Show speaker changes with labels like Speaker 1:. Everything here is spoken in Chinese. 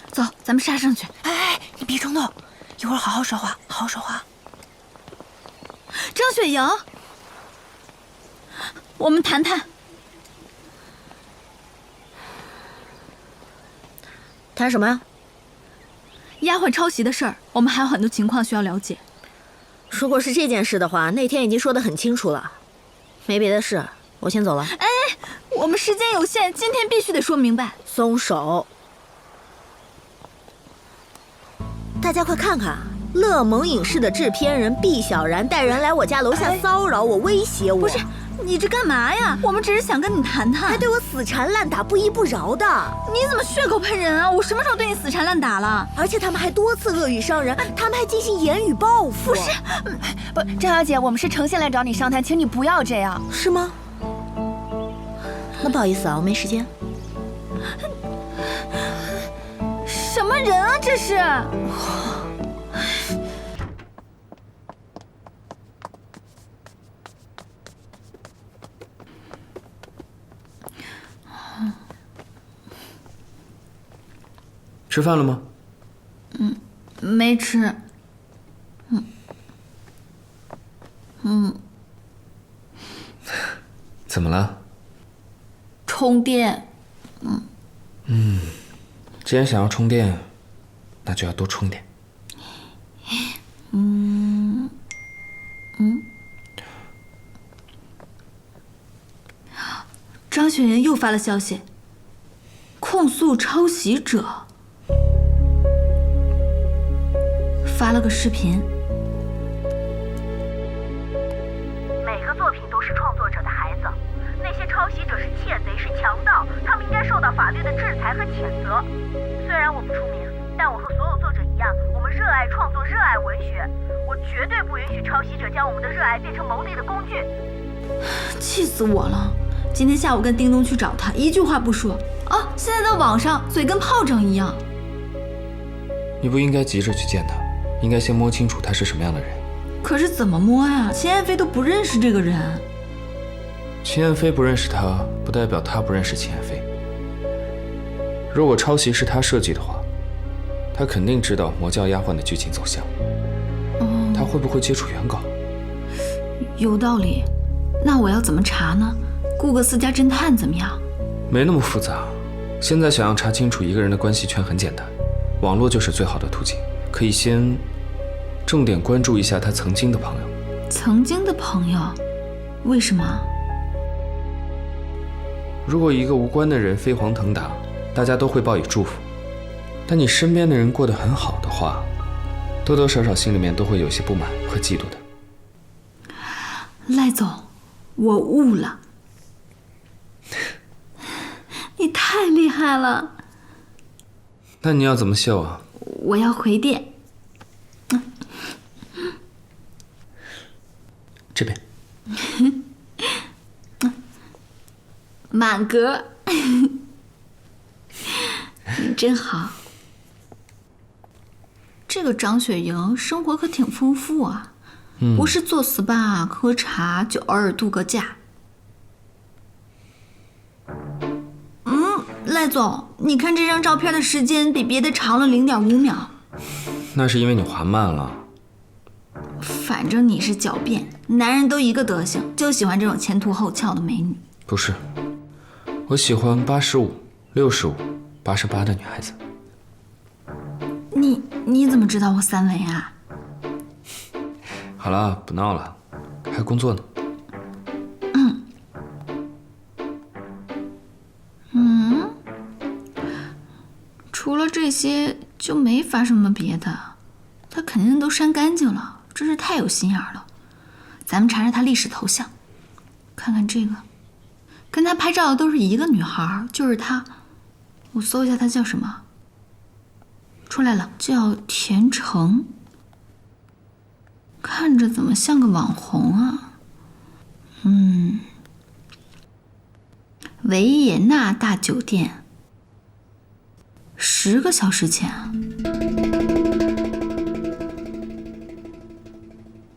Speaker 1: 走，咱们杀上去。
Speaker 2: 哎，你别冲动，一会儿好好说话，好好说话。
Speaker 1: 张雪莹，我们谈谈。
Speaker 3: 谈什么呀？
Speaker 1: 丫鬟抄袭的事儿，我们还有很多情况需要了解。
Speaker 3: 如果是这件事的话，那天已经说得很清楚了。没别的事，我先走了。
Speaker 1: 哎，我们时间有限，今天必须得说明白。
Speaker 3: 松手！大家快看看，乐蒙影视的制片人毕小然带人来我家楼下骚扰我、威胁我。
Speaker 1: 不是，你这干嘛呀？我们只是想跟你谈谈。
Speaker 3: 还对我死缠烂打、不依不饶的。
Speaker 1: 你怎么血口喷人啊？我什么时候对你死缠烂打了？
Speaker 3: 而且他们还多次恶语伤人，他们还进行言语报复。
Speaker 1: 不是，
Speaker 2: 不，张小姐，我们是诚心来找你商谈，请你不要这样。
Speaker 3: 是吗？那不好意思啊，我没时间。
Speaker 1: 什么人啊这是？
Speaker 4: 吃饭了吗？
Speaker 1: 没吃。
Speaker 4: 怎么了？
Speaker 1: 充电。
Speaker 4: 既然想要充电，那就要多充点。
Speaker 1: 张雪莹又发了消息，控诉抄袭者，发了个视频。
Speaker 5: 每个作品都是创作者的孩子，那些抄袭者是窃贼，是强盗，他们应该受到法律的制裁和谴责。虽然我不出名，但我和所有作者一样，我们热爱创作，热爱文学。我绝对不允许抄袭者将我们的热爱变成牟利的工具。
Speaker 1: 气死我了！今天下午跟叮咚去找他，一句话不说啊！现在在网上嘴跟炮仗一样。
Speaker 4: 你不应该急着去见他，应该先摸清楚他是什么样的人。
Speaker 1: 可是怎么摸呀？秦燕飞都不认识这个人。
Speaker 4: 秦燕飞不认识他，不代表他不认识秦燕飞。如果抄袭是他设计的话，他肯定知道魔教丫鬟的剧情走向。他会不会接触原稿？
Speaker 1: 有道理。那我要怎么查呢？雇个私家侦探怎么样？
Speaker 4: 没那么复杂。现在想要查清楚一个人的关系圈很简单，网络就是最好的途径。可以先重点关注一下他曾经的朋友。
Speaker 1: 曾经的朋友？为什么？
Speaker 4: 如果一个无关的人飞黄腾达，大家都会报以祝福。但你身边的人过得很好的话，多多少少心里面都会有些不满和嫉妒的。
Speaker 1: 赖总，我悟了。你太厉害了。
Speaker 4: 那你要怎么秀啊？
Speaker 1: 我要回电。
Speaker 4: 这边。
Speaker 1: 满格。你真好。这个张雪莹生活可挺丰富啊，不是做 SPA 喝茶，就偶尔度个假。赖总，你看这张照片的时间比别的长了0.5秒。
Speaker 4: 那是因为你滑慢了。
Speaker 1: 反正你是狡辩，男人都一个德行，就喜欢这种前凸后翘的美女。
Speaker 4: 不是，我喜欢85、65、88的女孩子。
Speaker 1: 你怎么知道我3围啊？
Speaker 4: 好了，不闹了，还工作呢。
Speaker 1: 除了这些就没发什么别的，他肯定都删干净了，真是太有心眼了。咱们查查他历史头像，看看这个，跟他拍照的都是一个女孩，就是她。我搜一下她叫什么，出来了，叫田成。看着怎么像个网红啊？维也纳大酒店，10个小时前啊。